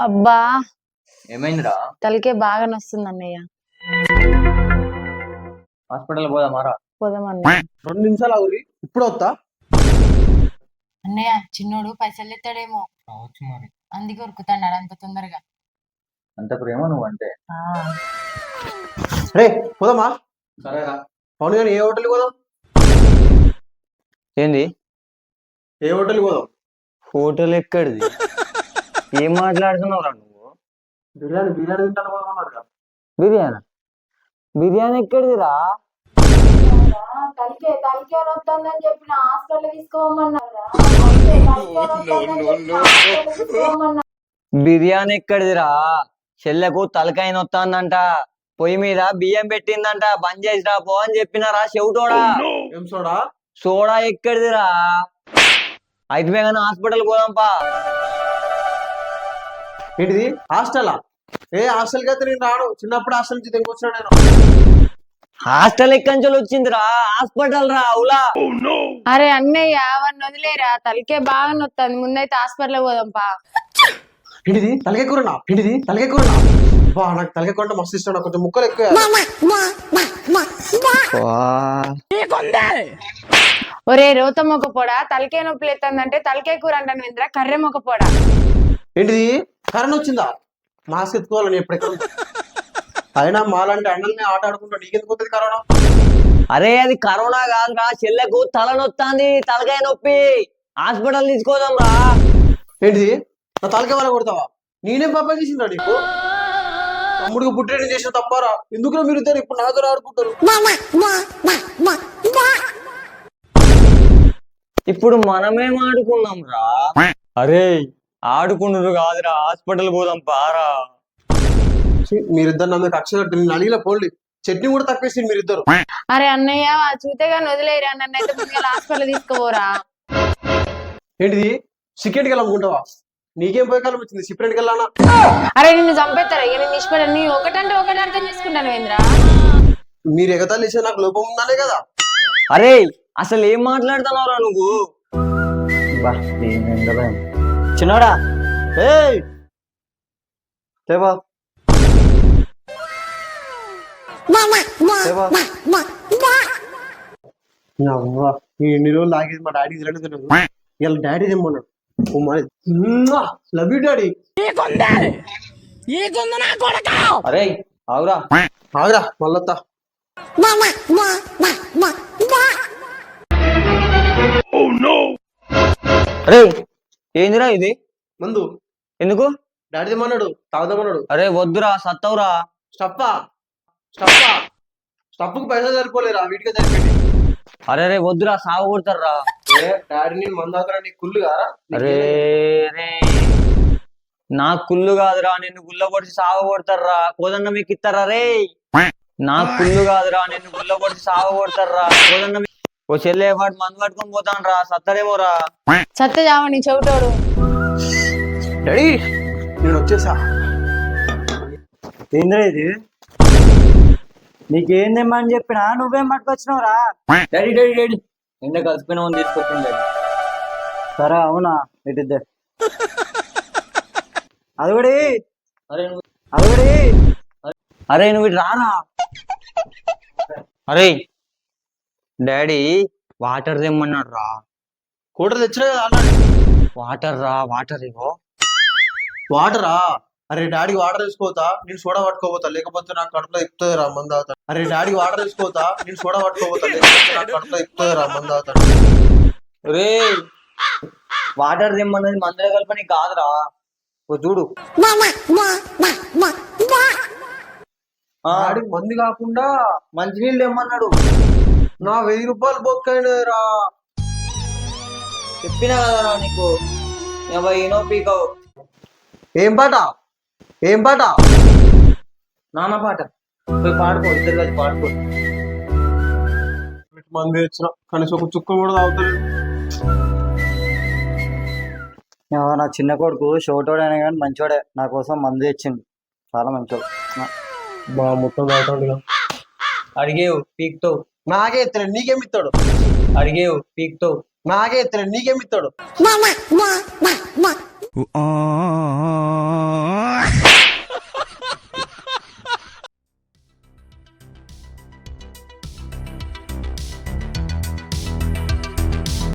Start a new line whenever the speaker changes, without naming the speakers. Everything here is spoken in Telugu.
అబ్బా
ఏమైందిరా?
తలకే బాగా నొస్తుంది అన్నయ్య.
హాస్పిటల్ పోదామారా?
పోదాం అన్నయ్య.
2 నిమిషాలు ఆగురి, ఇప్పుడు వస్తా.
అన్నయ్య చిన్నోడు పైసలు ఎత్తాడేమో
రావచ్చు మరి.
అందుకే ఉరుకుతాడు అంత తొందరగా.
అంత ప్రేమ నువ్వు అంటే.
రే పోదామా?
సరేరా.
అవును కానీ ఏ హోటల్కి పోదాం?
ఏంది
ఏ హోటల్కి పోదాం?
హోటల్ ఎక్కడిది? ఏం మాట్లాడుతున్నావురా నువ్వు?
బిర్యానీ బిర్యానీ తింటాను పోదామన్నారు కదా.
బిర్యానీ బిర్యానీ ఎక్కడిదిరా?
తలకే నొస్తుందని చెప్పిన హాస్పిటల్ తీసుకోమన్నారా?
బిర్యానీ ఎక్కడిదిరా? చెల్లెకు తలకాయ నొత్తాందంట, పొయ్యి మీద బియ్యం పెట్టిందంట, బంద్ చేసి రాపో అని చెప్పినారా చెవిటోడా?
ఏం సోడా?
సోడా ఎక్కడిదిరా? అయితే కానీ హాస్పిటల్ పోదాంపా.
ఏంటిది హాస్టలా? ఏ హాస్టల్కి అయితే నేను రాను, చిన్నప్పుడు హాస్టల్ నుంచి తెగొచ్చినా నేను.
హాస్టల్ ఎక్కడి వచ్చిందిరా? హాస్పిటల్ రా అవులా.
అరే అన్నయ్య అవన్నీ వదిలేరా, తలకే బాగా నొస్తుంది, ముందైతే హాస్పిటల్ పోదాంపా.
ఏంటిది తలకాయ కూరనా? ఏంటిది తలకాయ కూరనా? బా నాకు తలకాయ కూర అంటే మస్తు ఇష్టం, నాకు కొంచెం ముక్కలు ఎక్కువ.
ఒరే రోత మొక్క పొడ, తలకే నొప్పి లేస్తుందంటే తలకే కూర అంటాను ఇంద్ర, కర్రె మొక్క పొడ.
ఏంటిది కరెంట్ వచ్చిందా? మాస్క్ ఎత్తుకోవాలి నేను ఎప్పుడెక్కడ. అయినా మాలాంటి అన్నల్ని ఆట ఆడుకుంటా నీకెందుకు వస్తుంది కరోనా?
అరే అది కరోనా కాదురా, చెల్లెకు తల నొత్తాంది, తలకాయ నొప్పి, హాస్పిటల్ తీసుకోదాం రా.
ఏంటిది నా తలకాయ వల్ల కొడతావా? నేనేం పాప చేసిందా నీకు? తమ్ముడికి పుట్టేది చేసిన తప్పారా? ఎందుకురా మీరు ఇద్దరు ఇప్పుడు నాతో ఆడుకుంటారు?
ఇప్పుడు మనమేం ఆడుకున్నాం రా? అరే ఆడుకుంటున్నారు కాదురా, హాస్పిటల్ పోదాం పారా.
మీరిద్దరు నన్ను కక్ష కట్టి నేను అడిగిన పోండి, చట్నీ కూడా తప్పేసి మీరిద్దరు.
అరే అన్నయ్య చూతే గాని వదిలేరా, నన్ను అయితే ముందుగా హాస్పిటల్ తీసుకోపోరా.
ఏంటిది సికెట్కి వెళ్ళాలనుకుంటావా? నీకేం పోయే కాలం వచ్చింది, సిప్రెంట్కి వెళ్ళానా?
అరే నిన్ను చంపేస్తారా ఇక, నేను ఇష్టపడ నీ ఒకటంటే ఒకటి అర్థం చేసుకుంటాను వేంద్ర.
మీరు ఎగతాలు ఇచ్చే నాకు లోపం ఉందనే కదా.
అరే అసలు ఏం మాట్లాడుతున్నావురా నువ్వు? చిన్నోడా లేవా
ఎన్ని రోజులు ఆగేది మా డాడీ తినలేదు. ఇలా డాడీ తెమ్మన్నాడు. Love you daddy.
అరే ఆగురా
ఆగురా మళ్ళొత్తా.
అరే ఏందిరా ఇది?
మందు.
ఎందుకు?
డాడీ తెమ్మన్నాడు, తాగుదామన్నాడు.
అరే వద్దురా సత్తవురా.
స్టప్పా స్టప్పా స్టప్పుకు పైసలు సరిపోలేరా, వీటికే సరిపోయింది.
అరే రే వద్దురా, సాగు కొడతారా.
డాడీ నేను మందు తాగుతారా? నీకు కుళ్ళు కారా?
అరే రే నాకు కుళ్ళు కాదురా, నిన్ను గుల్ల పొడిచి సాగు కొడతారా. కోదన్న మీకు ఇస్తారా రే? నాకు కుళ్ళు కాదురా, నిన్ను గుల్ల పొడిచి సాగు కొడతారా. కోదన్న ఓ చెల్లె వాడు మందు పట్టుకొని పోతాను రా, సత్తడేమోరా.
సత్య చావని చెవిటోడు.
డాడీ నేను వచ్చేసా.
ఏంద్రా ఇది? నీకేందేమని చెప్పినా నువ్వేం పట్టుకొచ్చినావురా?
డాడీ డాడీ డాడీ ఎండ కలిసిపోయినా తీసుకొచ్చింది డాడీ.
సరే అవునా, ఇటుద్దే అదుగుడి అదుగుడి.
అరే నువ్వు ఇటు రారా. అరే డాడీ వాటర్ తెమ్మన్నాడు రా.
కూటర్ తెచ్చినా కదా అన్నాడు.
వాటర్ రా, వాటర్ ఇగో.
వాటరా? అరే డాడీకి వాటర్ తీసుకోతా, నేను సోడా పట్టుకోపోతా, లేకపోతే నాకు కడుపులో ఇప్పుతుంది రా మంది అవుతాడు. అరే డాడీకి వాటర్ తీసుకోతా, నేను సోడా పట్టుకోపోతా, లేకపోతే నాకు కడుపులో ఇప్పుతుంది రా మంది అవుతాడు.
రే వాటర్ తెమ్మన్నది మందులో కలపని కాదురా, ఓ చూడు.
డాడీకి మంది కాకుండా
మంచినీళ్ళు తెమ్మన్నాడు.
నా 1000 రూపాయలు బొక్కైనరా.
చెప్పినా కదరా నీకు, ఏనో పీకవు.
ఏం పాట? ఏం పాట?
నాన్న పాట పోయి పాడుకో, ఇద్దరు కలిసి పాడుకో.
మంది తెచ్చిన కనీసం ఒక చుక్క కూడా తాగుతాడు.
నా చిన్న కొడుకు షోటోడైనా కానీ మంచోడే, నా కోసం మందు తెచ్చింది, చాలా మంచోడు.
మా మొత్తం తాగుతాడు.
అడిగేవు పీక్తావు.
నాకే ఎత్తలేడు, నీకేమి ఇస్తాడు?
అడిగేవు పీక్తావు.
నాకే ఎత్తలేడు, నీకేమి ఇస్తాడు?